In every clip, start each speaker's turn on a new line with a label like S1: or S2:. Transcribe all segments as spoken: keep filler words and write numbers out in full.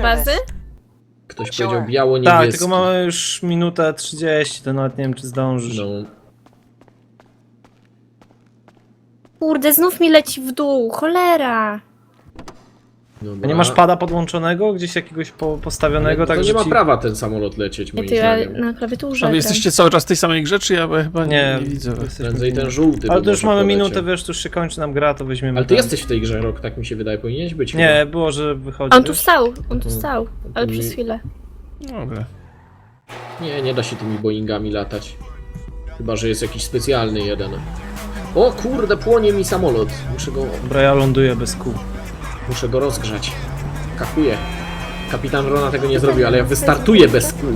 S1: bazy?
S2: Ktoś powiedział biało-niebieski.
S3: Tak, tylko mamy już minutę trzydzieści, to nawet nie wiem, czy zdążysz.
S2: No.
S1: Kurde, znów mi leci w dół, cholera.
S2: Dobra.
S3: A nie masz pada podłączonego? Gdzieś jakiegoś po, postawionego?
S2: Ale
S3: tak,
S2: to
S3: że
S2: nie ma
S3: ci...
S2: prawa ten samolot lecieć,
S1: Ja
S2: moim
S1: ty ja
S2: zdaniem.
S1: na klawiaturze.
S4: A wy
S1: gram.
S4: jesteście cały czas w tej samej grze, czy ja chyba nie,
S3: Nie,
S4: nie widzę?
S3: jesteśmy
S2: Prędzej
S3: w
S2: ten
S3: nim.
S2: żółty.
S3: Ale
S2: by
S3: to już
S2: może
S3: mamy
S2: poleciał.
S3: minutę, wiesz, to już się kończy nam gra, to weźmiemy
S2: Ale ty
S3: ten.
S2: jesteś w tej grze, Rok, tak mi się wydaje, powinieneś być.
S3: Nie, było, że wychodzi.
S1: On tu
S3: wiesz?
S1: stał, on tu
S2: To-
S1: stał, ale
S2: to
S1: przez
S2: mi-
S1: chwilę.
S4: Dobra.
S2: Nie, nie da się tymi Boeingami latać. Chyba, że jest jakiś specjalny jeden. O kurde, płonie mi samolot. Muszę go,
S3: Dobra, ja ląduję bez kół.
S2: muszę go rozgrzać. Kakuję. Kapitan Rona tego nie zrobił, ale ja wystartuję bez kół.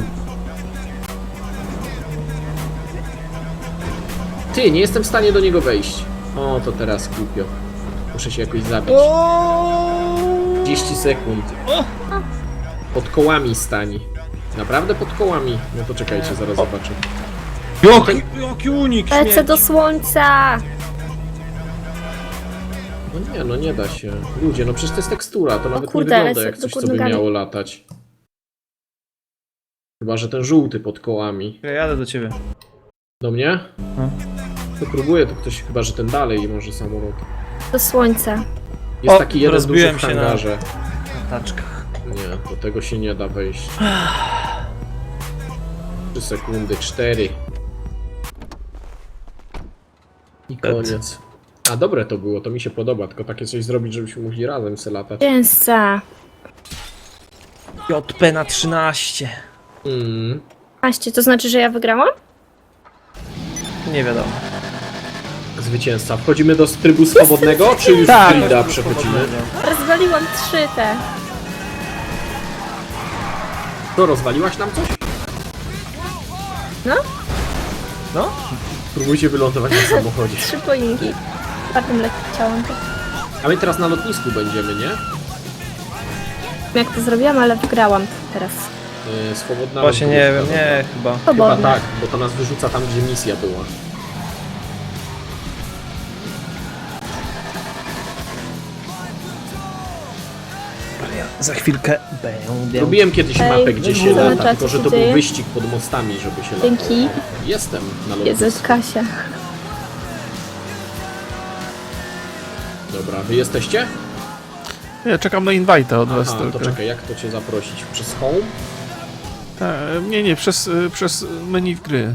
S2: Ty, nie jestem w stanie do niego wejść. O, to teraz głupio. Muszę się jakoś zabić. trzydzieści sekund. Pod kołami stań. Naprawdę pod kołami? No to czekajcie, zaraz zobaczę.
S3: Jaki, jaki unik
S1: Lecę
S3: śmierci.
S1: do słońca!
S2: No nie, no nie da się. Ludzie, no przecież to jest tekstura, to nawet
S1: kurde,
S2: nie wygląda
S1: lecę
S2: jak
S1: do
S2: coś, co
S1: góry
S2: by
S1: nogami.
S2: miało latać. Chyba, że ten żółty pod kołami.
S3: Ja jadę do ciebie.
S2: Do mnie?
S3: No.
S2: To próbuje, to ktoś chyba, że ten dalej może samolot.
S1: Do słońca.
S2: Jest
S3: O,
S2: taki jeden duży
S3: rozbiłem
S2: w
S3: się na-
S2: hangarze.
S3: Na taczkach.
S2: Nie, do tego się nie da wejść. trzy sekundy, cztery. I koniec. A dobre to było, to mi się podoba, tylko takie coś zrobić, żebyśmy mogli razem se latać.
S1: Częsta.
S3: J P na trzynaście.
S2: Mm.
S1: Aście, to znaczy, że ja wygrałam?
S3: Nie wiadomo.
S2: Zwycięzca. Wchodzimy do trybu swobodnego, czy już
S3: Tak,
S2: grida przechodzimy?
S1: Rozwaliłam trzy te.
S2: To rozwaliłaś nam coś?
S1: No,
S3: No?
S2: Próbujcie wylądować na samochodzie.
S1: trzy poinki. Czwartym leciałam.
S2: A my teraz na lotnisku będziemy, nie?
S1: Jak to zrobiłam, ale wygrałam teraz.
S2: Yy, swobodna
S3: Właśnie nie
S2: lotniska,
S3: wiem, nie, chyba.
S2: Chyba
S1: Swobodne.
S2: tak, bo to nas wyrzuca tam, gdzie misja była.
S3: Za chwilkę będę.
S2: Robiłem kiedyś
S1: Ej,
S2: mapę, gdzie się
S1: zobacz,
S2: lata,
S1: co
S2: tylko że
S1: się
S2: to
S1: dzieje.
S2: był wyścig pod mostami, żeby się latało.
S1: Dzięki.
S2: Jestem na
S1: Jezus,
S2: lotnisku.
S1: Kasia.
S2: Dobra, wy jesteście?
S4: Ja czekam na invite'a od was
S2: Aha,
S4: tylko.
S2: to czekaj, jak to cię zaprosić? Przez home?
S4: Ta, nie, nie, przez, y, przez menu w gry.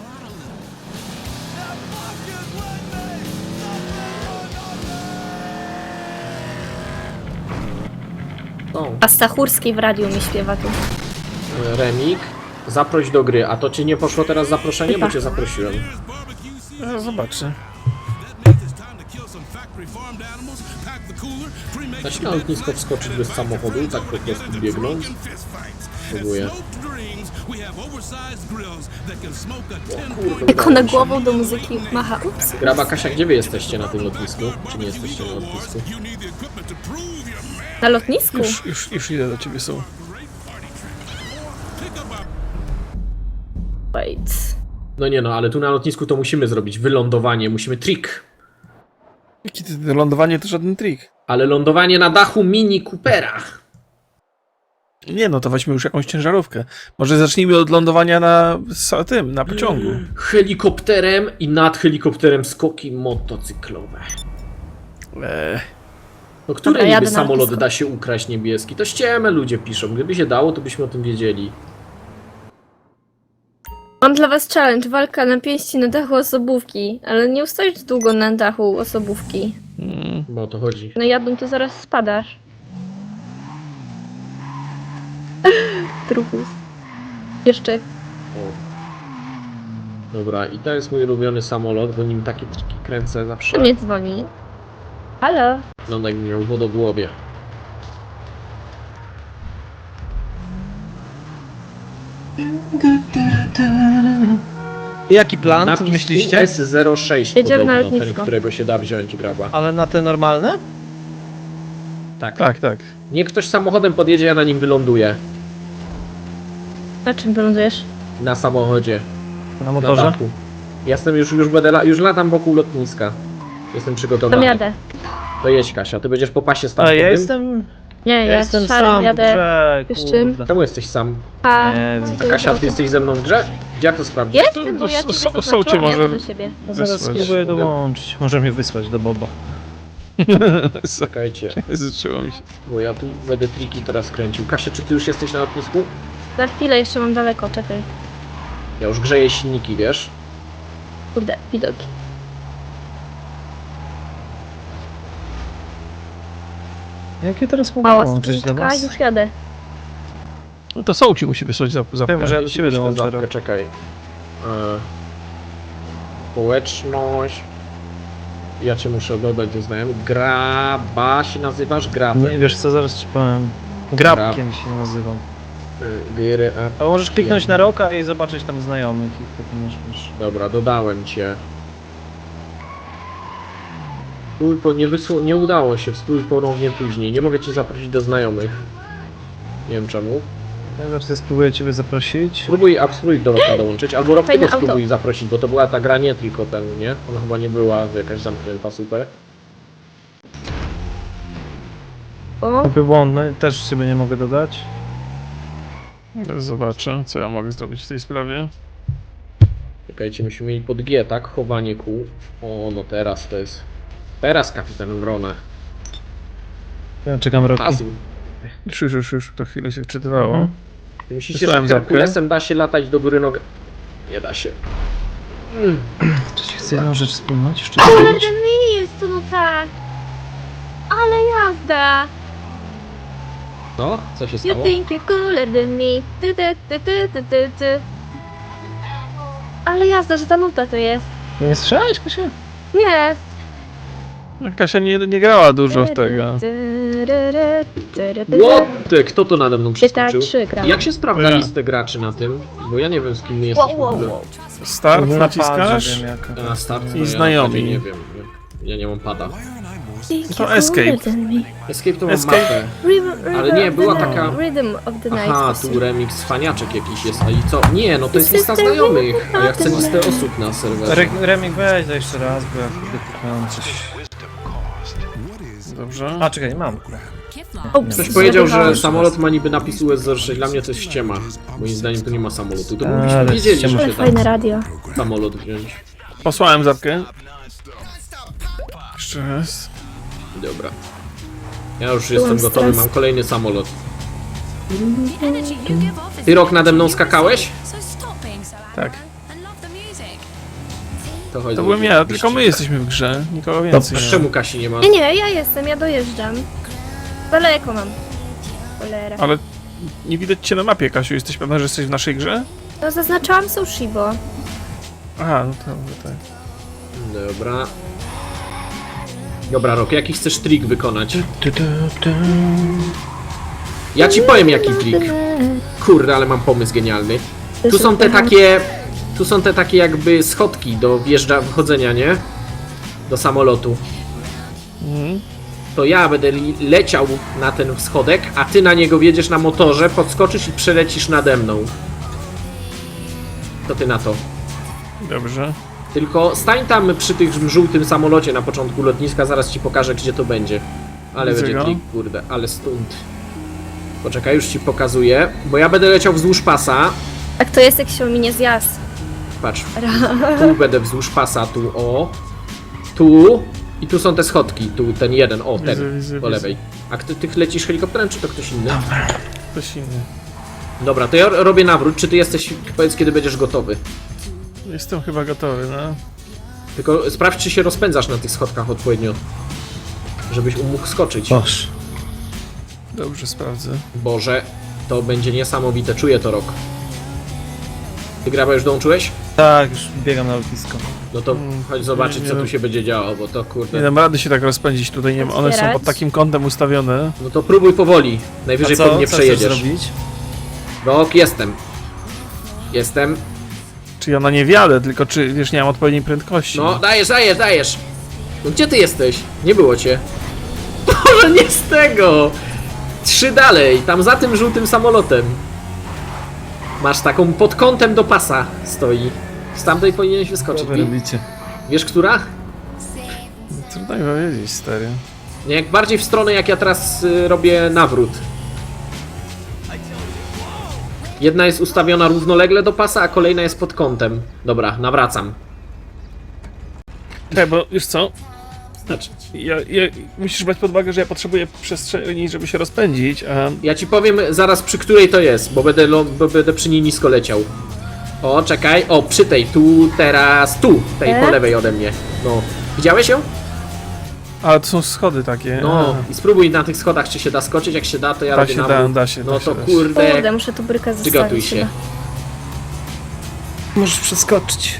S2: O,
S1: A Stachurski w radiu mi śpiewa tu.
S2: Remik. Zaproś do gry. A to ci nie poszło teraz zaproszenie, bo
S1: Chyba.
S2: cię zaprosiłem.
S4: Ja zobaczę.
S2: Da się na lotnisko wskoczyć bez samochodu, tak po prostu biegnąc? Próbuję. O kurde,
S1: Jak
S2: udało
S1: ona
S2: mi się.
S1: głową do muzyki macha. Ups.
S2: Graba Kasia, gdzie wy jesteście na tym lotnisku? Czy nie jesteście na lotnisku?
S1: Na lotnisku?
S4: Już, już, już idę do ciebie, są.
S1: Wait.
S2: No nie no, ale tu na lotnisku to musimy zrobić wylądowanie, musimy trik.
S4: Jakie to lądowanie to żaden trik.
S2: Ale lądowanie na dachu Mini Coopera.
S4: Nie no, to weźmy już jakąś ciężarówkę. Może zacznijmy od lądowania na sa- tym, na pociągu.
S2: Helikopterem i nad helikopterem skoki motocyklowe.
S4: Eee,
S2: No który
S1: Dobra, jadę
S2: niby
S1: na
S2: samolot
S1: lotnisko.
S2: da się ukraść niebieski? To ściemy ludzie piszą. Gdyby się dało, to byśmy o tym wiedzieli.
S1: Mam dla was challenge, walka na pięści na dachu osobówki, ale nie ustoisz długo na dachu osobówki.
S4: mm,
S2: Bo o to chodzi.
S1: No jadą, to zaraz spadasz. Trupus. Jeszcze.
S2: O. Dobra, i to jest mój ulubiony samolot, bo nim takie triki kręcę zawsze.
S1: Kto mnie dzwoni? Halo?
S2: Wygląda jakby miał wodogłowie.
S3: Jaki plan? Co
S2: Napis
S3: myśliście?
S2: S zero sześć
S1: Jedziemy na
S2: podobno, ten,
S1: lotnisko.
S2: którego się da wziąć graba.
S3: Ale na te normalne?
S2: Tak.
S4: tak, tak.
S2: Niech ktoś samochodem podjedzie, ja na nim wyląduję.
S1: Na czym wylądujesz?
S2: Na samochodzie.
S3: Na
S2: Na
S3: motorze?
S2: dachu. Jestem już, już będę, la, już latam wokół lotniska. Jestem
S1: Tam
S2: przygotowany.
S1: jadę.
S2: To jedź Kasia, ty będziesz po pasie
S3: Ale
S2: startowym.
S3: ja jestem...
S1: Nie,
S3: Ja
S1: ja
S3: jestem
S1: szarym
S3: sam w
S1: jadę.
S3: grze,
S1: Wiesz czym?
S3: kurde.
S2: Czemu jesteś sam?
S1: A,
S3: Nie wiem.
S1: to
S2: Kasia,
S1: jest
S2: ty jesteś ze mną w grze? Gdzie jak to sprawdzić?
S1: Jestem, bo ja
S4: To-
S1: ciebie
S4: to- to
S1: zaznaczyłam,
S4: cię może
S1: jadę do siebie.
S3: Ja zaraz
S4: wysłać.
S3: spróbuję dołączyć. Może mnie wysłać do Boba.
S2: Czekajcie,
S4: Zaczęło mi się.
S2: bo ja tu będę triki teraz kręcił. Kasia, czy ty już jesteś na lotnisku?
S1: Za chwilę jeszcze mam daleko, czekaj.
S2: Ja już grzeję silniki, wiesz?
S1: Kurde, widoki.
S3: Jak ja teraz mogę
S1: Mała
S3: dołączyć do
S1: spółka,
S3: was?
S1: już jadę.
S4: No to Soul ci musi wysłać za, za
S3: Wiem, że ja do siebie dołączę.
S2: Zapkę,
S3: Rok.
S2: czekaj. E, społeczność. Ja cię muszę dodać do znajomych. Graba się nazywasz? Grab.
S3: Nie wiesz co, zaraz ci powiem. Grabkiem się nazywam.
S2: Gry, a...
S3: A możesz kliknąć na Roka i zobaczyć tam znajomych i wtedy masz, masz.
S2: Dobra, dodałem cię. Spróbuj po, nie, wysłu, nie udało się, spróbuj ponownie później. Nie mogę cię zaprosić do znajomych. Nie wiem czemu.
S3: Ja zaraz spróbuję ciebie zaprosić.
S2: Spróbuj, a spróbuj do Roka dołączyć, albo Rok
S1: Fajne
S2: tego
S1: auto.
S2: spróbuj zaprosić, bo to była ta gra nie tylko ten, nie? Ona chyba nie była jakaś zamknięta super.
S1: O,
S3: Kupy błądny, też ciebie nie mogę dodać.
S4: Zobaczę, co ja mogę zrobić w tej sprawie.
S2: Czekajcie, myśmy mieli pod G, tak? Chowanie kół. O, no teraz to jest... Teraz kapitan Wrona.
S3: Ja czekam Roki.
S2: Azu.
S4: Już, już, już, już to chwilę się wczytywało.
S3: Mhm.
S2: Ty myślisz,
S4: Wysłałem
S2: że
S4: zapkę.
S2: Herkulesem da się latać do góry nogę? Nie da się. Mm.
S3: Czy ci chcę jedną rzecz wspomnieć? Jeszcze
S1: ale
S3: powiedzieć?
S1: ten nie jest to no tak. Ale jazda.
S2: No, co się
S1: You
S2: stało?
S1: think you're cooler than me. Ty, ty, ty, ty, ty, ty, ty. Ale jazda, że ta nuta to jest.
S3: Nie słyszałeś, Kasia?
S1: Nie.
S4: Kasia nie, nie grała dużo w tego.
S2: What the? Kto to nade mną przeskoczył?
S1: trzy gram.
S2: Jak się sprawdza
S4: Ja.
S2: listę graczy na tym? Bo ja nie wiem z kim my
S1: Wow,
S2: jesteśmy w
S1: wow,
S2: ogóle.
S1: wow.
S4: Start
S3: Na
S4: naciskasz?
S3: padrze wiem jaka.
S2: Na start
S4: I
S2: to
S4: znajomi.
S2: Ja nie wiem. nie- Ja nie mam pada.
S4: To escape.
S2: Escape to mam
S4: Escape.
S2: mapę.
S1: Rhythm,
S2: Ale nie,
S1: of
S2: była
S1: the night.
S2: taka-
S1: Rhythm of the night.
S2: Aha,
S1: właśnie.
S2: tu remix faniaczek jakiś jest. A i co? Nie, no to jest lista znajomych. A ja chcę listę osób na serwerze.
S3: Re Remik weź to jeszcze raz, bo ja kurde kliknąłem coś.
S4: Dobrze.
S3: A czekaj, nie mam.
S1: Ups,
S2: Ktoś powiedział, że
S1: zjadywałam.
S2: samolot ma niby napis U S zero sześć. Dla mnie to jest ściema. Moim zdaniem to nie ma samolotu. To
S3: Ale
S2: mogliśmy wiedzieli,
S3: ściema.
S2: że
S1: Ale
S2: się tam
S1: fajne radio.
S2: samolot wziąć.
S4: Posłałem zapkę. Jeszcze raz.
S2: Dobra. Ja już
S1: Byłam
S2: jestem gotowy,
S1: stres.
S2: mam kolejny samolot. Ty Rok nade mną skakałeś?
S4: Tak.
S2: To chodzi.
S4: To byłem ja, tylko my jesteśmy w grze. Nikogo więcej.
S2: A
S4: nie ma.
S2: czemu Kasi nie ma?
S1: Nie, nie, ja jestem, ja dojeżdżam. Daleko mam. Cholera.
S4: Ale nie widać cię na mapie, Kasiu. Jesteś pewna, że jesteś w naszej grze?
S1: No zaznaczałam sushi, bo...
S4: Aha, no to może tak.
S2: Dobra. Dobra, Rok, jaki chcesz trik wykonać? Ja ci powiem jaki trik. Kurde, ale mam pomysł genialny. Tu są te takie... Tu są te takie jakby schodki do wjeżdża, wchodzenia, nie? Do samolotu.
S4: Mhm.
S2: To ja będę li- leciał na ten schodek, a ty na niego wjedziesz na motorze, podskoczysz i przelecisz nade mną. To ty na to.
S4: Dobrze.
S2: Tylko stań tam przy tym żółtym samolocie na początku lotniska, zaraz ci pokażę gdzie to będzie. Ale
S4: Widzę
S2: będzie
S4: go.
S2: trik, kurde, ale stąd. Poczekaj, już ci pokazuję, bo ja będę leciał wzdłuż pasa.
S1: Tak to jest, jak się ominie zjazd.
S2: Patrz, tu będę wzdłuż pasa, tu o. Tu i tu są te schodki, tu ten jeden, o ten,
S4: Widzę, widzę,
S2: po
S4: widzę.
S2: lewej. A ty, ty lecisz helikopterem, czy to ktoś inny?
S4: Ktoś inny.
S2: Dobra, to ja robię nawrót, czy ty jesteś, powiedz kiedy będziesz gotowy.
S4: Jestem chyba gotowy, no.
S2: Tylko sprawdź czy się rozpędzasz na tych schodkach odpowiednio. Żebyś mógł skoczyć.
S3: Boż.
S4: Dobrze, sprawdzę.
S2: Boże, to będzie niesamowite, czuję to Rok. Ty Graba już dołączyłeś?
S3: Tak, już biegam na lotnisko.
S2: No to
S4: Mm,
S2: chodź zobaczyć
S4: nie,
S2: co
S4: nie
S2: tu
S4: no.
S2: się będzie działo, bo to
S4: Nie
S2: kurde...
S4: dam rady się tak rozpędzić tutaj, nie ma. One są
S1: Otwierać.
S4: pod takim kątem ustawione.
S2: No to próbuj powoli, najwyżej po mnie
S3: co chcesz
S2: przejedziesz.
S3: zrobić?
S2: Rok, jestem. Jestem.
S4: Czy ja na nie wjadę, tylko czy, wiesz, nie mam odpowiedniej prędkości.
S2: No, dajesz, dajesz, dajesz. No gdzie ty jesteś? Nie było cię. Boże, nie z tego! Trzy dalej, tam za tym żółtym samolotem. Masz taką pod kątem do pasa stoi. Z tamtej powinieneś wyskoczyć.
S3: Co wy robicie?
S2: Wiesz która?
S4: Trudno mi powiedzieć, stary.
S2: Nie, jak bardziej w stronę, jak ja teraz y, robię nawrót. Jedna jest ustawiona równolegle do pasa, a kolejna jest pod kątem. Dobra, nawracam.
S4: Tak, bo już co?
S2: Znaczy,
S4: Ja, ja, musisz brać pod uwagę, że ja potrzebuję przestrzeni, żeby się rozpędzić, a...
S2: ja ci powiem zaraz przy której to jest, bo będę, lo- bo będę przy niej nisko leciał. O, czekaj. O, przy tej, tu, teraz, tu. Tej
S1: E?
S2: po lewej ode mnie. No. Widziałeś ją?
S4: Ale to są schody takie.
S2: No.
S4: a.
S2: I spróbuj na tych schodach, czy się da skoczyć. Jak się da, to ja
S4: Da
S2: robię
S4: się,
S2: nawrót.
S4: da, da się,
S2: No
S4: da
S2: to
S4: się, da się.
S2: kurde.
S1: Kurde, muszę tu brykę zostawić.
S2: Przygotuj się.
S1: chyba.
S3: Możesz przeskoczyć.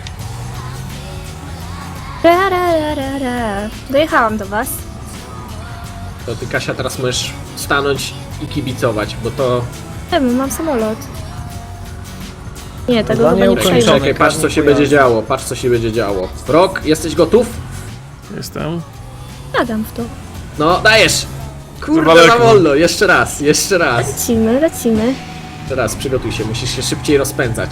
S1: Ra, ra, ra, ra, ra. Dojechałam do was.
S2: To ty, Kasia, teraz możesz stanąć i kibicować, bo to...
S1: Czemu? Mam samolot. Nie, tego
S3: Zadanie
S1: chyba nie
S3: ukończone.
S1: przejdę.
S2: Czekaj, patrz co się
S3: pojazdu.
S2: będzie działo. Patrz co się będzie działo. Rok, jesteś gotów?
S4: Jestem.
S1: Jadam w to.
S2: No, dajesz! Kurde,
S4: Daleko.
S2: za wolno. Jeszcze raz, jeszcze raz.
S1: Lecimy, lecimy.
S2: Teraz przygotuj się, musisz się szybciej rozpędzać.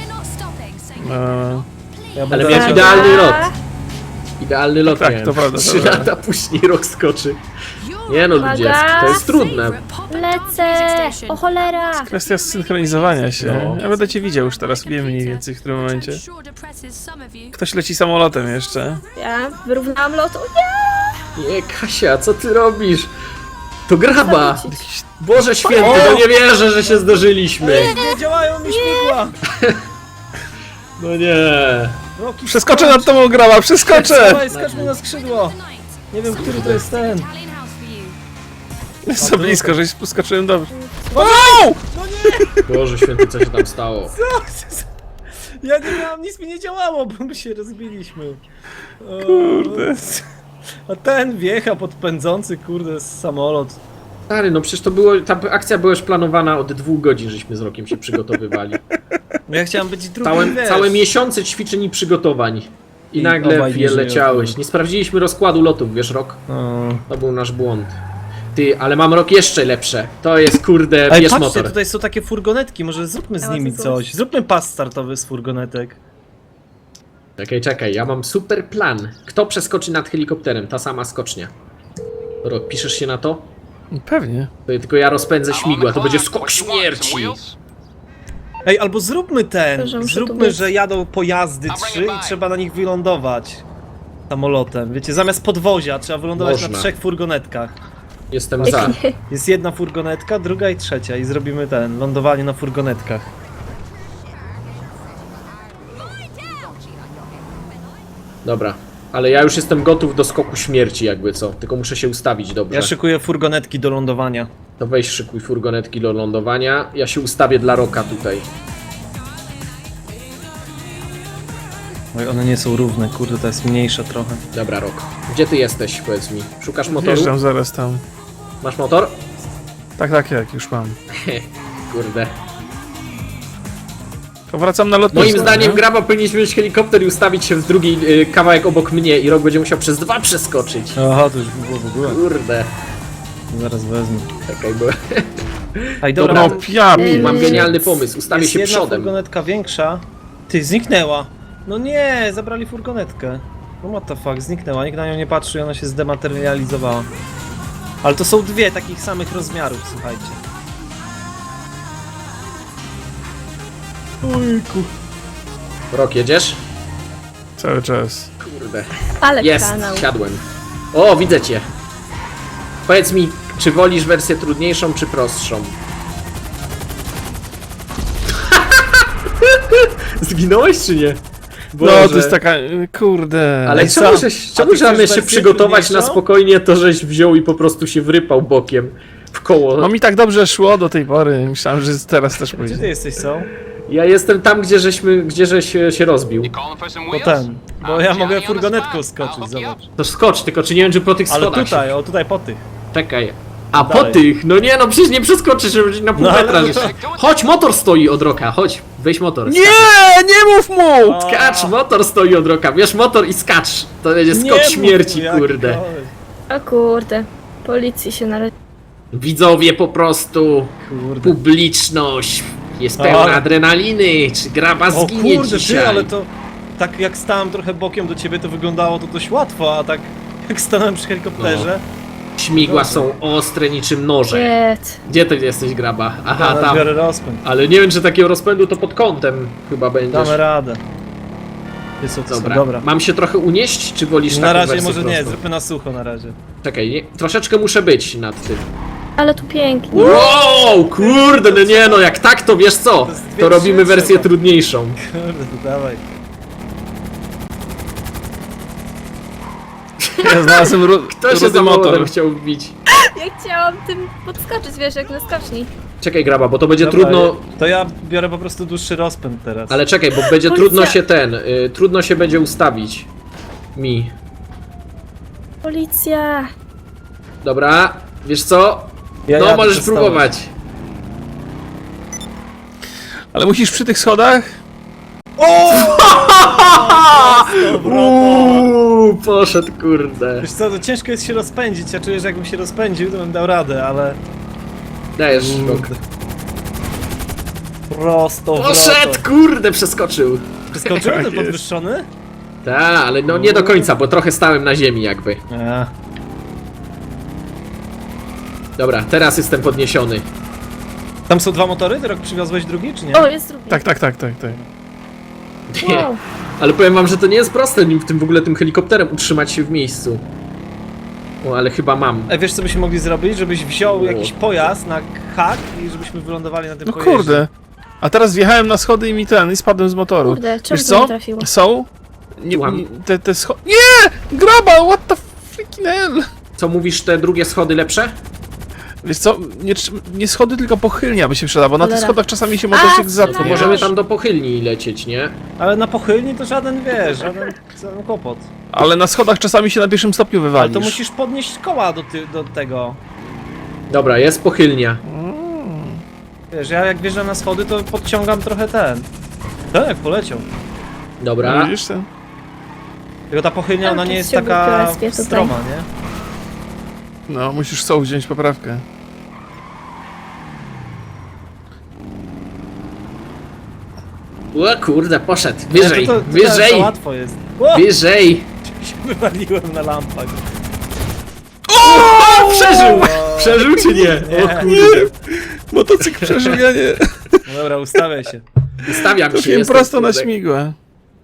S4: E,
S3: Ja
S2: Ale
S3: będę
S2: miałem
S3: leciał.
S2: idealny lot. Idealny lot
S4: Tak,
S2: miałem.
S4: to prawda, to
S2: Trzy
S4: prawda.
S2: lata później rok skoczy. Nie no,
S1: Uwaga.
S2: ludzie, to jest trudne.
S1: Lecę! O cholera!
S4: kwestia synchronizowania się.
S2: No.
S4: Ja będę cię widział już teraz, wiem mniej więcej w którym momencie. Ktoś leci samolotem jeszcze.
S1: Ja wyrównałam lot. O nie!
S2: Nie, Kasia, co ty robisz? To graba!
S1: Zawrócić.
S2: Boże święty, no nie wierzę, że się zdarzyliśmy.
S3: Nie działają mi śmigła!
S2: No nie.
S3: Roki,
S4: Przeskoczę nad tobą, graba, przeskoczę!
S3: Dawaj, skacz mi na skrzydło! Nie wiem, który to jest ten.
S4: Jest za blisko, żeś skoczyłem dobrze.
S2: Boże święty, co się tam stało?
S3: Ja nie miałam, nic mi nie działało, bo my się rozbiliśmy. O,
S4: Kurde.
S3: a ten wjecha pod pędzący, kurde, samolot.
S2: Stary, no przecież to było, ta akcja była już planowana od dwóch godzin, żeśmy z Rokiem się przygotowywali.
S3: No ja chciałem być drugi,
S2: Całe,
S3: wiesz.
S2: całe miesiące ćwiczeń i przygotowań. I,
S3: I
S2: nagle
S3: obaj nie
S2: wie,
S3: żyją.
S2: leciałeś. Nie sprawdziliśmy rozkładu lotów, wiesz, Rok?
S3: O.
S2: To był nasz błąd. Ty, ale mam Rok jeszcze lepsze. To jest, kurde,
S3: Ej,
S2: bierz
S3: patrzcie,
S2: motor.
S3: tutaj są takie furgonetki, może zróbmy z
S1: A,
S3: nimi
S1: to
S3: coś. Zróbmy pas startowy z furgonetek.
S2: Czekaj, czekaj, ja mam super plan. Kto przeskoczy nad helikopterem? Ta sama skocznia. Rok, piszesz się na to?
S4: Pewnie.
S2: To tylko ja rozpędzę śmigła, to będzie skok śmierci.
S3: Ej, albo zróbmy ten,
S1: To, że muszę tu
S3: zróbmy,
S1: być.
S3: że jadą pojazdy trzy i trzeba na nich wylądować samolotem. Wiecie, zamiast podwozia trzeba wylądować
S2: Można.
S3: na trzech furgonetkach.
S2: Jestem za.
S3: Jest jedna furgonetka, druga i trzecia i zrobimy ten, lądowanie na furgonetkach.
S2: Dobra. Ale ja już jestem gotów do skoku śmierci, jakby co. Tylko muszę się ustawić dobrze.
S3: Ja szykuję furgonetki do lądowania.
S2: To weź szykuj furgonetki do lądowania. Ja się ustawię dla Roka tutaj.
S3: Oj, one nie są równe, kurde, to jest mniejsza trochę.
S2: Dobra, Rok. Gdzie ty jesteś, powiedz mi? Szukasz motoru?
S4: Wjeżdżam zaraz tam.
S2: Masz motor?
S4: Tak, tak, jak już mam.
S2: Kurde.
S4: To wracam na lotnisko.
S2: Moim zdaniem
S4: nie?
S2: graba powinniśmy mieć helikopter i ustawić się w drugi y, kawałek obok mnie i Rok będzie musiał przez dwa przeskoczyć.
S3: Aha, to już by było w ogóle.
S2: Kurde.
S3: Zaraz wezmę.
S2: Czekaj, bo
S3: Ej,
S2: Dobra.
S3: dobra,
S4: No piami.
S2: mam
S1: Yy,
S2: genialny pomysł. Ustawię
S3: jest
S2: się
S3: jedna
S2: przodem.
S3: furgonetka większa. Ty, zniknęła. No nie, zabrali furgonetkę. No what the fuck, zniknęła, nikt na nią nie patrzy i ona się zdematerializowała. Ale to są dwie takich samych rozmiarów, słuchajcie. Ojku.
S2: Rok, jedziesz?
S4: Cały czas.
S2: Kurde.
S1: Ale
S2: Jest,
S1: kanał.
S2: siadłem. O, widzę cię. Powiedz mi, czy wolisz wersję trudniejszą, czy prostszą? Zginąłeś, czy nie?
S4: No, to jest taka... Kurde.
S2: Ale
S3: Ej,
S2: czemu,
S3: sam.
S2: żeś,
S3: A
S2: czemu
S3: ty chcesz
S2: żebyś się
S3: wersję
S2: przygotować na
S3: trudniejszą?
S2: spokojnie, to żeś wziął i po prostu się wrypał bokiem w koło?
S4: No mi tak dobrze szło do tej pory. Myślałem, że teraz też
S3: Gdzie ty
S4: pójdzie.
S3: jesteś, są?
S2: Ja jestem tam, gdzie żeśmy, gdzie żeś się, się rozbił.
S3: Bo ten, bo ja mogę furgonetką skoczyć, zobacz.
S2: To skocz, tylko czy nie wiem, czy po tych
S3: Ale
S2: schodach
S3: tutaj,
S2: się...
S3: o tutaj po tych.
S2: Czekaj. A po
S3: Dalej.
S2: tych? No nie, no przecież nie przeskoczysz, żeby na pół
S3: No ale-
S2: metra. żeś- Chodź, motor stoi od Roka, chodź. Weź motor.
S4: Nie, nie mów mu!
S3: O,
S2: Skacz, motor stoi od Roka. Bierz motor i skacz. To będzie
S3: nie
S2: skok
S3: mów
S2: śmierci,
S3: tu, jaki
S2: kurde.
S3: koleś.
S1: O kurde. Policji się należy.
S2: Widzowie po prostu,
S3: Kurde.
S2: publiczność jest pełna
S3: Ale-
S2: adrenaliny. Czy graba
S3: O
S2: zginie
S3: kurde,
S2: dzisiaj?
S3: ty, ale to... Tak jak stałem trochę bokiem do ciebie, to wyglądało to dość łatwo, a tak jak stanąłem przy helikopterze...
S2: Śmigła są ostre niczym noże.
S1: Jet.
S2: Gdzie ty jesteś, Graba? Aha,
S3: Ja
S2: tam.
S3: biorę rozpęd.
S2: Ale nie wiem, czy takiego rozpędu to pod kątem chyba będziesz.
S3: Damy radę. Jest co,
S2: Dobra.
S3: dobra.
S2: Mam się trochę unieść, czy wolisz
S3: Na
S2: taką
S3: razie
S2: wersję
S3: może nie,
S2: prostą?
S3: zróbmy na sucho na razie.
S2: Czekaj, nie, troszeczkę muszę być nad tym.
S1: Ale tu pięknie.
S2: Wow, kurde, no nie no, jak tak to wiesz co?
S3: To jest dwie
S2: To robimy
S3: trzecie,
S2: wersję
S3: no.
S2: trudniejszą.
S3: Kurde, to dawaj.
S4: Ja znalazłem ru-
S2: Kto się
S4: rudy
S2: samochodem
S4: motor.
S2: chciał wbić?
S1: Ja chciałam tym podskoczyć, wiesz, jak na skoczni.
S2: Czekaj, Graba, bo to będzie
S3: Dobra,
S2: trudno...
S3: To ja biorę po prostu dłuższy rozpęd teraz.
S2: Ale czekaj, bo będzie
S1: Policja.
S2: trudno się ten... Y, trudno się będzie ustawić. Mi.
S1: Policja.
S2: Dobra, wiesz co?
S3: Ja
S2: No,
S3: jadę,
S2: możesz
S3: przestałeś.
S2: próbować.
S4: Ale musisz przy tych schodach?
S2: Uuu, poszedł, kurde.
S3: Wiesz co, to ciężko jest się rozpędzić, ja czuję, że jakbym się rozpędził, to bym dał radę, ale...
S2: Dajesz rok.
S3: Kurde. Prosto w
S2: Poszedł, kurde, przeskoczył.
S3: Skoczył ten
S4: jest.
S3: podwyższony?
S2: Tak, ale no nie do końca, bo trochę stałem na ziemi jakby.
S3: A,
S2: Dobra, teraz jestem podniesiony.
S3: tam są dwa motory? Ty rok przywiozłeś drugi, czy nie?
S1: O, jest drugi.
S4: Tak, tak, tak, tak, tak.
S2: Nie.
S1: Wow.
S2: Ale powiem wam, że to nie jest proste nim w tym w ogóle tym helikopterem utrzymać się w miejscu. O, ale chyba mam.
S3: Ej, wiesz co byśmy mogli zrobić? Żebyś wziął
S2: O.
S3: jakiś pojazd na hak i żebyśmy wylądowali na tym
S4: No
S3: pojeździe.
S4: kurde. A teraz wjechałem na schody i mi ten, i spadłem z motoru.
S1: Kurde, czemu
S4: Wiesz
S1: to nie
S4: co?
S1: trafiło?
S4: Są? Nie,
S2: Słucham?
S4: nie, te, te schody... Nie! Graba, what the freaking hell?
S2: Co mówisz, te drugie schody lepsze?
S4: Wiesz co, nie, trz- nie schody, tylko pochylnia by się przydała, bo na tych
S1: Cholera.
S4: schodach czasami się motocykl
S1: A,
S4: zatnie.
S2: To
S1: No
S2: możemy
S1: już.
S2: tam do pochylni lecieć, nie?
S3: Ale na pochylni to żaden, wiesz, żaden, żaden kłopot.
S4: Ale na schodach czasami się na pierwszym stopniu
S3: Ale
S4: wywalisz.
S3: to musisz podnieść koła do, ty, do tego.
S2: Dobra, jest pochylnia.
S3: Wiesz, ja jak wjeżdżam na schody, to podciągam trochę ten. Tak, poleciał.
S4: No,
S2: Dobra.
S4: widzisz ten?
S3: Tylko ta pochylnia,
S1: Tam
S3: ona nie
S1: coś
S3: jest
S1: się
S3: taka
S1: wykrespie tutaj.
S3: stroma, nie?
S4: No, musisz są wziąć poprawkę.
S2: O kurde, poszedł. Wyżej,
S3: to, to, to, To
S2: wyżej,
S3: łatwo jest. O!
S2: wyżej.
S3: się wywaliłem na lampach.
S2: O, przeżył! Przeżył czy nie?
S3: Nie.
S2: O kurde.
S4: Motocykl przeżył, ja nie.
S3: No dobra, ustawiaj się.
S2: Ustawiam się.
S4: Trafiłem
S2: jestem,
S4: prosto na
S2: kurde.
S4: śmigłę.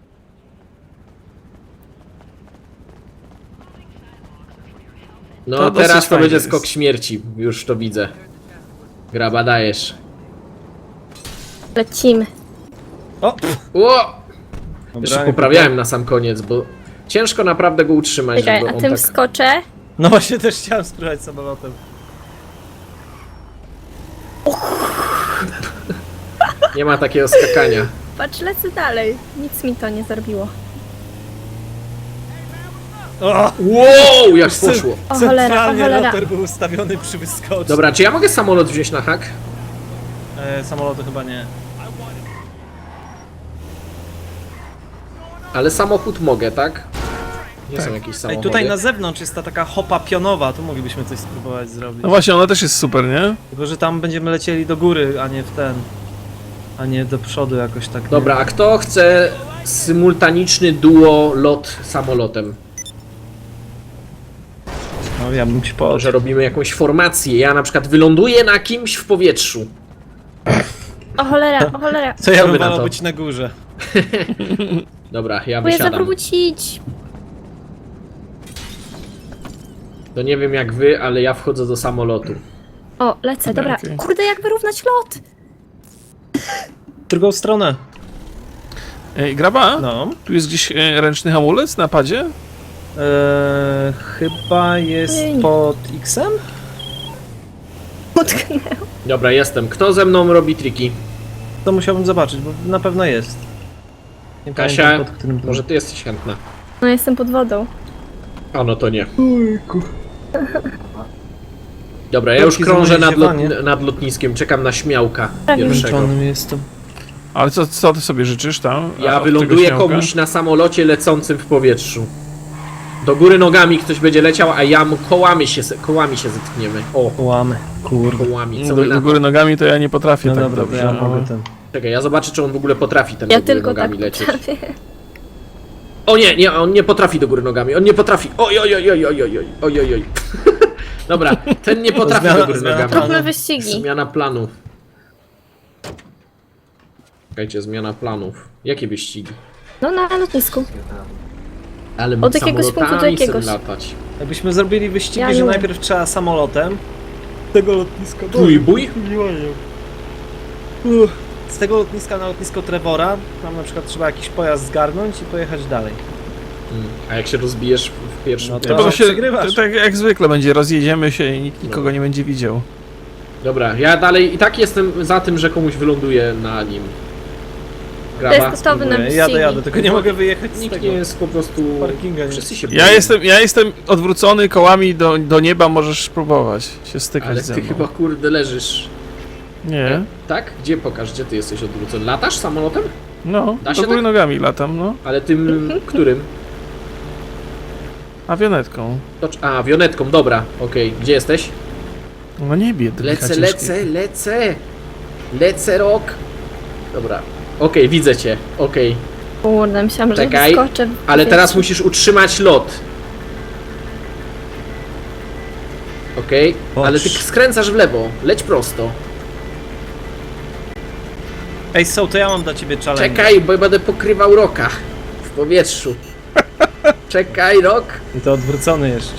S2: No
S4: To dosyć
S2: teraz to
S4: fajnie
S2: będzie
S4: jest.
S2: skok śmierci. Już to widzę. Graba, dajesz.
S1: Lecimy.
S3: O! pff,
S2: O!
S3: dobra,
S2: Jeszcze poprawiałem na sam koniec, bo ciężko naprawdę go utrzymać,
S1: Czekaj,
S2: żeby
S1: a
S2: on
S1: tym
S2: tak...
S1: wskoczę.
S3: No właśnie też chciałem spróbować samolotem.
S2: Nie ma takiego skakania.
S1: Patrz, lecę dalej. Nic mi to nie zrobiło.
S3: O!
S2: Wow, jak poszło.
S1: O cholera, o
S3: Centralnie
S1: cholera.
S3: rotor był ustawiony przy wyskoczu.
S2: Dobra, czy ja mogę samolot wziąć na hak?
S3: E, samolotu chyba nie.
S2: Ale samochód mogę, tak? Nie są jakieś
S3: Ej,
S2: samochody.
S3: tutaj na zewnątrz jest ta taka hopa pionowa, tu moglibyśmy coś spróbować zrobić.
S4: No właśnie, ona też jest super, nie?
S3: Tylko, że tam będziemy lecieli do góry, a nie w ten. A nie do przodu jakoś tak. nie?
S2: Dobra, a kto chce symultaniczny duo lot samolotem?
S3: No ja bym ci
S2: Może
S3: poszedł.
S2: robimy jakąś formację. Ja na przykład wyląduję na kimś w powietrzu.
S1: O cholera, o cholera.
S3: Co ja
S2: Co
S3: bym
S2: wy na
S3: wolał
S2: to?
S3: być na górze?
S2: Dobra, ja
S1: Próbuję
S2: wysiadam.
S1: zawrócić.
S2: To nie wiem jak wy, ale ja wchodzę do samolotu.
S1: O, lecę, dobra.
S4: Okej.
S1: Kurde, jak wyrównać lot?
S3: W drugą stronę.
S4: Ej, Graba,
S3: No.
S4: tu jest gdzieś e, ręczny hamulec na padzie?
S3: Eee, chyba jest
S1: Ej.
S3: pod X-em?
S1: Utknęło.
S2: Dobra, jestem. Kto ze mną robi triki?
S3: To musiałbym zobaczyć, bo na pewno jest. Nie
S2: Kasia,
S3: pamiętam, pod którym to-
S2: może ty jesteś chętna?
S1: No, jestem pod wodą.
S2: A no to nie. Dobra, ja już
S3: Wielkie
S2: krążę nad, lot,
S3: zamierzanie.
S2: nad lotniskiem, czekam na śmiałka
S1: Prawie
S2: pierwszego.
S3: Zmęczonym jestem.
S4: Ale co, co ty sobie życzysz tam? A,
S2: Ja
S4: od
S2: wyląduję
S4: tego śmiałka?
S2: komuś na samolocie lecącym w powietrzu. Do góry nogami ktoś będzie leciał, a ja mu kołami się, kołami się zetkniemy. O,
S3: Łamy, kurde.
S2: kołami. Co
S4: Do,
S2: wy na
S4: do
S2: to?
S4: góry nogami to ja nie potrafię
S3: No
S4: tak
S3: dobra, to
S4: dobrze.
S3: ja
S4: no.
S3: mogę ten.
S2: Czekaj, ja zobaczę, czy on w ogóle potrafi ten
S1: Ja
S2: do góry
S1: tylko tak
S2: nogami lecieć.
S1: potrafię.
S2: O nie, nie, on nie potrafi do góry nogami, on nie potrafi. Oj, oj, oj, oj, oj, oj, oj, oj, oj. Dobra, ten nie potrafi
S3: zmiana-
S2: do góry
S3: zmiana
S2: nogami.
S3: planu.
S1: Róbmy wyścigi.
S2: Zmiana planów. Czekajcie, zmiana planów. Jakie wyścigi?
S1: No na lotnisku.
S2: Ale
S1: Od jakiegoś punktu do
S2: samolotami
S1: jakiegoś.
S2: chcę latać.
S3: Jakbyśmy zrobili wyścigi,
S1: Ja
S3: że
S1: nie.
S3: najpierw trzeba samolotem. Z tego lotniska...
S2: Bój, bój?
S3: Uff, Z tego lotniska na lotnisko Trevora, tam na przykład trzeba jakiś pojazd zgarnąć i pojechać dalej.
S2: Mm. A jak się rozbijesz w- w pierwszym
S3: No to-
S2: tym?
S4: Bo to się,
S3: przegrywasz.
S4: to tak jak zwykle będzie, rozjedziemy się i nikt nikogo nie będzie widział.
S2: Dobra, ja dalej i tak jestem za tym, że komuś wyląduje na nim.
S1: To jest
S2: Graba.
S1: gotowy na
S3: Mówię,
S1: wyścigi.
S3: jadę, jadę, tylko nie mogę wyjechać z
S2: Nikt
S3: tego.
S2: nie jest po prostu...
S3: Parkinga nie.
S2: Wszyscy się
S4: Ja
S2: boją.
S4: jestem, ja jestem odwrócony kołami do, do nieba, możesz spróbować się stykać
S2: Ale
S4: ze
S2: ty
S4: mną.
S2: chyba kurde leżysz.
S4: Nie,
S2: Tak? Gdzie pokaż, gdzie ty jesteś odwrócony? Latasz samolotem?
S4: no,
S2: Da się
S4: do góry
S2: tak?
S4: nogami latam, no,
S2: Ale tym którym?
S4: awionetką.
S2: To, a, wionetką, dobra, okej. Gdzie jesteś?
S4: No na niebie. to
S2: Lecę,
S4: ciężkie.
S2: lecę, lecę! Lecę, rok! Dobra. Okej, widzę cię, okej.
S1: Kurde, myślałam, że
S2: Czekaj,
S1: wyskoczę. w
S2: Ale teraz
S1: powietrzu.
S2: musisz utrzymać lot. Okej,
S3: Boż.
S2: ale ty skręcasz w lewo. Leć prosto.
S3: Ej, so, to ja mam dla ciebie challenge.
S2: Czekaj, bo ja będę pokrywał roka w powietrzu. Czekaj, rok.
S3: I to odwrócony jeszcze.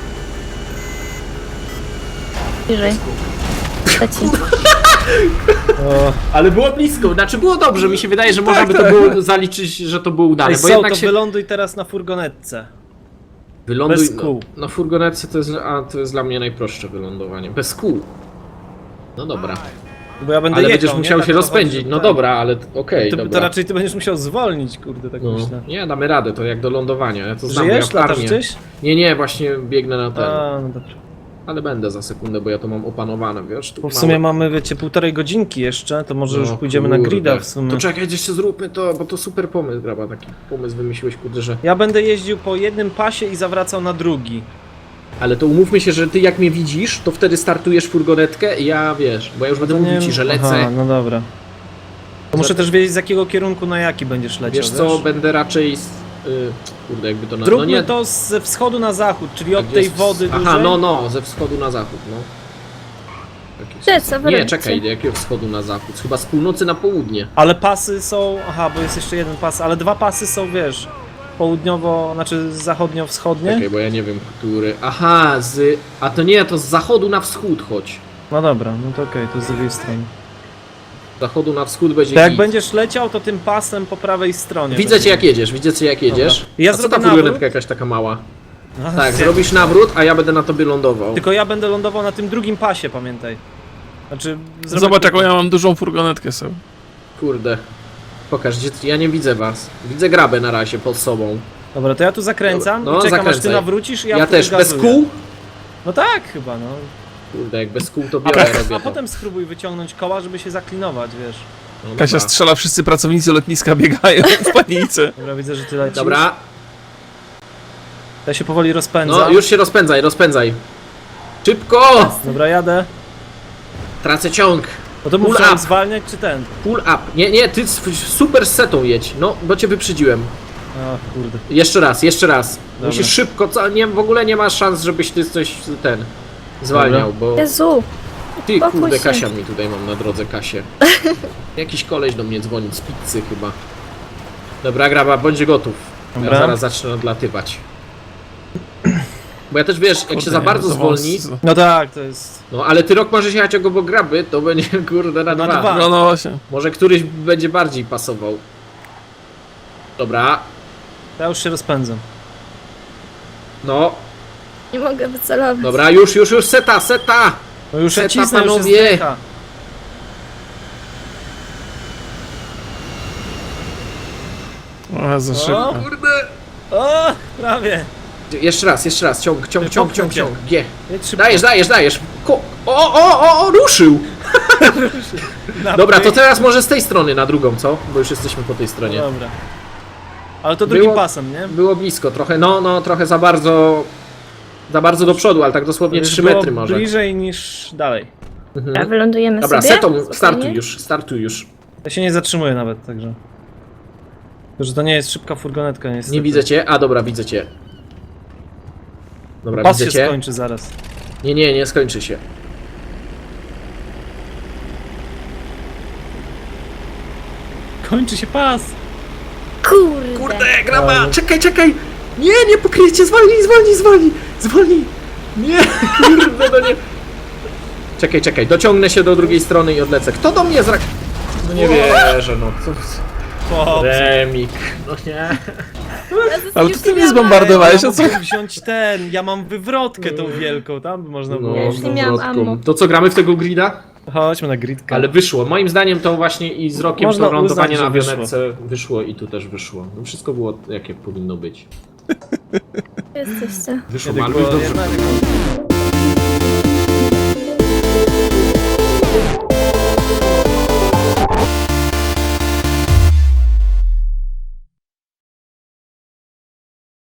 S1: Bliżej. Leci.
S3: O,
S2: Ale było blisko, znaczy było dobrze. Mi się wydaje, że można by to było zaliczyć, że to było udane.
S3: Ej,
S2: Bo
S3: so,
S2: jednak
S3: to
S2: się.
S3: wyląduj teraz na furgonetce.
S2: Wyląduj.
S3: bez
S2: No,
S3: kół.
S2: no furgonetce to jest, a, to jest dla mnie najprostsze wylądowanie. Bez kół. No dobra.
S3: Bo ja będę
S2: Ale
S3: jechał,
S2: będziesz
S3: nie?
S2: musiał
S3: Tak
S2: się
S3: prowadzić,
S2: rozpędzić. No
S3: tak.
S2: dobra, ale t- okej,
S3: To, to
S2: dobra.
S3: raczej ty będziesz musiał zwolnić, kurde, tak
S2: No,
S3: myślę.
S2: nie, damy radę, to jak do lądowania. Ja to znam, bo
S3: Żyjesz?
S2: ja
S3: Latasz
S2: armię.
S3: gdzieś?
S2: Nie, nie, właśnie biegnę na ten.
S3: A, no dobrze.
S2: Ale będę za sekundę, bo ja to mam opanowane, wiesz? Tu
S3: Bo w
S2: małe-
S3: sumie mamy, wiecie, półtorej godzinki jeszcze, to może
S2: No,
S3: już pójdziemy na
S2: kurde.
S3: grida w sumie.
S2: To czekaj, jeszcze zróbmy to, bo to super pomysł, graba, taki pomysł wymyśliłeś, kurde, że...
S3: Ja będę jeździł po jednym pasie i zawracał na drugi.
S2: Ale to umówmy się, że ty jak mnie widzisz, to wtedy startujesz furgonetkę i ja, wiesz, bo ja już będę
S3: To
S2: mówił
S3: nie-
S2: ci, że lecę.
S3: Aha, no dobra. To muszę
S2: Za-
S3: też wiedzieć, z jakiego kierunku na jaki będziesz leciał,
S2: Wiesz co, będę raczej... Z, y, kurde, jakby to... Na...
S3: Zróbmy
S2: no nie,
S3: to ze wschodu na zachód, czyli
S2: a
S3: od
S2: gdzie
S3: tej
S2: jest-
S3: wody
S2: Aha,
S3: dużej.
S2: no, no, ze wschodu na zachód, no. Jakieś-
S1: Gdzie, co wy
S2: Nie,
S1: robicie?
S2: czekaj, jakiego wschodu na zachód? Chyba z północy na południe.
S3: Ale pasy są, aha, bo jest jeszcze jeden pas, ale dwa pasy są, wiesz, południowo, znaczy zachodnio-wschodnie.
S2: Czekaj, bo ja nie wiem, który... Aha, z... A to nie, to z zachodu na wschód chodź.
S3: No dobra, no to okej, to z drugiej strony.
S2: Z zachodu na wschód będzie
S3: To jak
S2: git.
S3: będziesz leciał, to tym pasem po prawej stronie.
S2: Widzę
S3: będzie.
S2: cię jak jedziesz, widzę cię jak jedziesz.
S3: Dobra. Ja
S2: A co
S3: zrobię
S2: ta furgonetka
S3: nawrót.
S2: jakaś taka mała?
S3: Aha,
S2: Tak,
S3: zje-
S2: zrobisz nawrót, a ja będę na tobie lądował.
S3: Tylko ja będę lądował na tym drugim pasie, pamiętaj. Znaczy, zrobię-
S4: Zobacz jaką ja mam dużą furgonetkę sobie.
S2: Kurde. Pokaż, gdzie... ja nie widzę was. Widzę grabę na razie pod sobą.
S3: Dobra, to ja tu zakręcam
S2: Dobra, no,
S3: i czekam aż ty
S2: zakręcaj.
S3: nawrócisz i ja,
S2: Ja,
S3: wtedy
S2: też, bez
S3: gazuję.
S2: kół?
S3: No tak, chyba, no.
S2: Kurde, jak bez kół to
S3: A,
S2: biorę,
S3: potem,
S2: robię
S3: a
S2: to.
S3: potem spróbuj wyciągnąć koła, żeby się zaklinować, wiesz.
S2: No,
S4: Kasia
S2: dobra.
S4: strzela, wszyscy pracownicy lotniska biegają w panice.
S3: Dobra, widzę, że ty lecisz.
S2: Dobra,
S3: Ja się powoli rozpędzam.
S2: no już się rozpędzaj, rozpędzaj. Szybko!
S3: Dobra, jadę.
S2: Tracę ciąg.
S3: No to
S2: Pull
S3: muszę
S2: up.
S3: zwalniać, czy ten?
S2: Pull up. Nie, nie, ty s- super z setą jedź. No, bo cię wyprzedziłem.
S3: A, kurde.
S2: Jeszcze raz, jeszcze raz.
S3: Dobra.
S2: Musisz szybko, co, nie, w ogóle nie ma szans, żebyś ty coś ten zwalniał, bo
S1: Jezu,
S2: ty
S1: spokój
S2: kurde
S1: się.
S2: Kasia mi tutaj mam na drodze Kasię. Jakiś koleś do mnie dzwoni z pizzy chyba. Dobra, graba, bądź gotów.
S3: Dobra.
S2: Ja zaraz zacznę odlatywać. Bo ja też wiesz, jak
S4: Kurde,
S2: się za
S4: nie,
S2: bardzo
S4: to
S2: zwolni,
S4: wąs-
S3: No tak, to jest...
S2: no ale ty rok możesz jechać obok graby, to będzie kurde na,
S3: Na
S2: dwa.
S3: dwa.
S4: No, no właśnie.
S2: Może któryś będzie bardziej pasował. Dobra,
S3: Ja już się rozpędzam.
S2: no,
S1: nie mogę wycelować.
S2: dobra, już, już, już, seta, seta!
S3: No już ja
S2: Seta,
S3: cisnę, już jest
S2: panowie.
S3: decha.
S4: O, za szybko.
S2: Kurde!
S3: O, prawie.
S2: Jeszcze raz, jeszcze raz, ciąg, ciąg,
S3: Ty,
S2: ciąg,
S3: popchnę
S2: ciąg,
S3: cię.
S2: ciąg, G.
S3: Jedź szybko.
S2: Dajesz, dajesz, dajesz. Ko o, o, o, o, ruszył!
S3: Na
S2: Dobra, to
S3: pyk.
S2: teraz może z tej strony na drugą, co? Bo już jesteśmy po tej stronie.
S3: Dobra. Ale to drugim
S2: Było-
S3: pasem, nie?
S2: Było blisko, trochę, no, no, trochę za bardzo... Za bardzo do przodu, ale tak dosłownie
S3: Już
S2: trzy
S3: było
S2: metry może.
S3: bliżej niż dalej.
S1: A
S2: Mhm.
S1: wylądujemy
S2: Dobra,
S1: sobie?
S2: setą,
S1: Spokojnie?
S2: startuj już, startuj już.
S3: Ja się nie zatrzymuję nawet, także... Tylko, że to nie jest szybka furgonetka, niestety.
S2: Nie widzę cię, a dobra, widzę cię. Dobra,
S3: Pas
S2: widzę
S3: się
S2: cię.
S3: skończy zaraz.
S2: Nie, nie, nie skończy się.
S3: Kończy się pas!
S1: Kurde.
S2: Kurde, graba! Czekaj, czekaj! Nie, nie pokryjcie, zwolnij, zwolnij, zwolnij! Zwolnij! Nie, kurde, no nie... Czekaj, czekaj, dociągnę się do drugiej strony i odlecę. Kto do mnie zrak... No nie wierzę, no. Co...
S3: Chłopcy.
S2: Remik, no nie.
S4: Ale
S1: Już
S4: to ty
S1: nie
S4: mnie
S1: miałam
S4: zbombardowałeś,
S3: Ja
S4: a co?
S3: mógłbym wziąć ten, ja mam wywrotkę tą wielką, tam by można było.
S1: Ja już nie miałam
S2: wywrotką.
S1: ammo.
S2: To co, gramy w tego grida?
S3: Chodźmy na gridkę.
S2: Ale wyszło. Moim zdaniem to właśnie i z rokiem
S3: Można
S2: to lądowanie
S3: uznać,
S2: na
S3: że
S2: awionetce wyszło i tu też wyszło. No wszystko było jakie powinno być.
S1: Jesteście.
S2: Wyszło,
S3: Ja
S2: Malu,
S3: tylko
S2: dobrze.
S3: jedna-